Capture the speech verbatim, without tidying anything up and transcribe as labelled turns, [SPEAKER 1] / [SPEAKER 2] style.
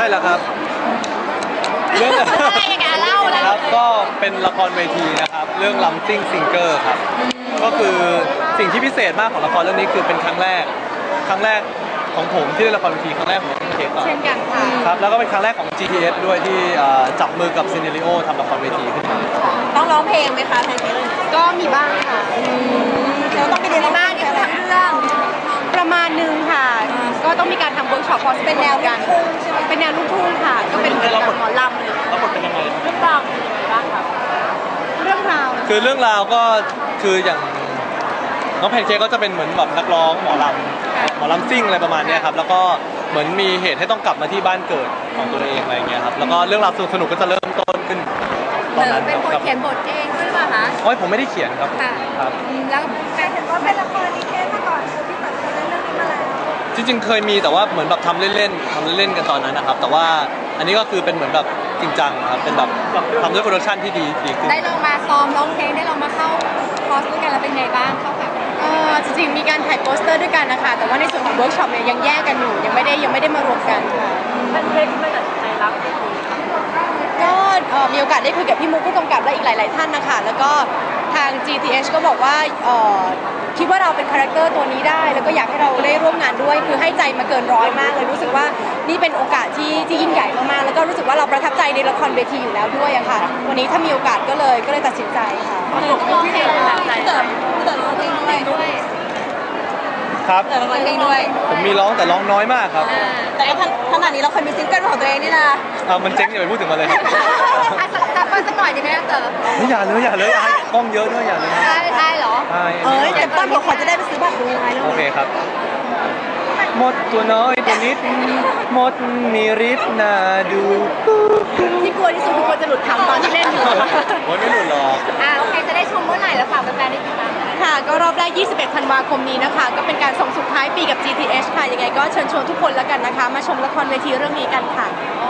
[SPEAKER 1] ช่แล้วครับเรื่อง
[SPEAKER 2] อะไรอย่างเงี้ยเล่าเลย
[SPEAKER 1] ครับก็เป็นละครเวทีนะครับเรื่อง Lumping Singer ครับก็คือสิ่งที่พิเศษมากของละครเรื่องนี้คือเป็นครั้งแรกครั้งแรกของผมที่ได้ละครเวทีครั้งแรกของเคก่อน
[SPEAKER 2] เช่นกันค่ะ
[SPEAKER 1] ครับแล้วก็เป็นครั้งแรกของ จี ที เอส ด้วยที่จับมือกับซีเนริโอทำละครเวทีขึ้นมา
[SPEAKER 2] ต้องร้องเพลงไหมคะแพนเค้กก็มีบ้างค่ะเราต้องไปเรียนบ้างนี่คือทำเรื่องประมาณนึงค่ะก็ต้องมีการทำเวิร์กช็อปเพราะเป็นแนวกันเป็นแนวลูกทุ่งค่ะก็เป็นเหมือนกับหมอลำเลย
[SPEAKER 1] แล้วบทเป็นยังไง
[SPEAKER 2] เรื่องราวเป็นยังไงบ้างคะเรื่องราว
[SPEAKER 1] คือเรื่องราวก็คืออย่างน้องแพนเค้กก็จะเป็นเหมือนแบบนักร้องหมอลำหมอลำซิ่งอะไรประมาณนี้ครับแล้วก็เหมือนมีเหตุให้ต้องกลับมาที่บ้านเกิดของตัวเองอะไรอย่างเงี้ยครับแล้วก็เรื่องราวสนุกๆก็จะเริ่มต้นขึ้นตอนนั้น
[SPEAKER 2] เป็นคนเขียนบทเองด้วยหรือเปล่าคะ
[SPEAKER 1] โอ้ยผมไม่ได้เขียนครับครับ
[SPEAKER 2] แล้วแฟนเห็นว่าเป็นละครนิเทศมาก่อนคือพี่เปิดเรื่องนี้มาแล้ว
[SPEAKER 1] จริงๆเคยมีแต่ว่าเหมือนแบบทำเล่นๆทำเล่นๆกันตอนนั้นนะครับแต่ว่าอันนี้ก็คือเป็นเหมือนแบบจริงจังครับเป็นแบบทำด้วยโปรดักชันที่ดีดีขึ้น
[SPEAKER 2] ได้ลองมาซ้อมร้องเพลงได้ลองมาเข้าคอร์สด้วยกันแล้วเป็นไงบ้างเข้ากับเออจริงๆมีการถ่ายโปสเตอร์ด้วยกันนะคะแต่ว่าในส่วนของเวิร์กช็อปเนี่ยยังแยกกันอยู่ยังไม่ได้ยังไม่ได้มารวมกันค่ะ
[SPEAKER 3] มันเล็กไม่ตัดใจรับ
[SPEAKER 2] ก็มีโอกาสได้คุยกับพี่มุกผู้กำกับและอีกหลายๆท่านนะคะแล้วก็ทาง จี ที เอช ก็บอกว่าคิดว่าเราเป็นคาแรคเตอร์ตัวนี้ได้แล้วก็อยากให้เราได้ร่วมงานด้วยคือให้ใจมาเกินร้อยมากเลยรู้สึกว่านี่เป็นโอกาสที่ที่ยิ่งใหญ่มากๆแล้วก็รู้สึกว่าเราประทับใจในละครเวทีอยู่แล้วด้วยอะค่ะวันนี้ถ้ามีโอกาสก็เลยก็เลยตัดสินใจค่ะ
[SPEAKER 3] ร้องเพลงตัดใจ
[SPEAKER 2] เติมเติมร้องเพลงด้วย
[SPEAKER 1] ครับ
[SPEAKER 2] เติมร้องเพลงด้วย
[SPEAKER 1] ผมมีร้องแต่ร้องน้อยมากครับ
[SPEAKER 2] แต่ก็ขนาดนี้เราเคยมีซิงเกิลของตัวเองนี่นะ
[SPEAKER 1] อ่ามันเจ๊งอย่าไปพูดถึงมันเลยครับ
[SPEAKER 2] สักสักหน่อยดีไหมเติม
[SPEAKER 1] ไม่อย่าเลยอย่าเลยไอ้กล้องเยอะด้วยอย่าเลย
[SPEAKER 2] ได้ได้เหรอ
[SPEAKER 1] เอ้
[SPEAKER 2] ยแต่ต้นผมขอจะได้ไปซื้อบัตรดูไง
[SPEAKER 1] โอเคครับหมดตัวน้อยตัวนิดหมดมีฤทธิ์น่าดู
[SPEAKER 2] ที่กลัวที่สุดคือคนจะหลุดคำตอนที่เล่นอยู่
[SPEAKER 1] โอ้ยไม่หลุดหรอก
[SPEAKER 2] อ่าโอเคจะได้ชมเมื่อไหร่แล้วฝากแฟนๆได้ติดตามค่ะก็รอบแรกยี่สิบเอ็ดธันวาคมนี้นะคะก็เป็นการส่งสุดท้ายปีกับ จี ที เอช ค่ะยังไงก็เชิญชวนทุกคนแล้วกันนะคะมาชมละครเวทีเรื่องนี้กันค่ะ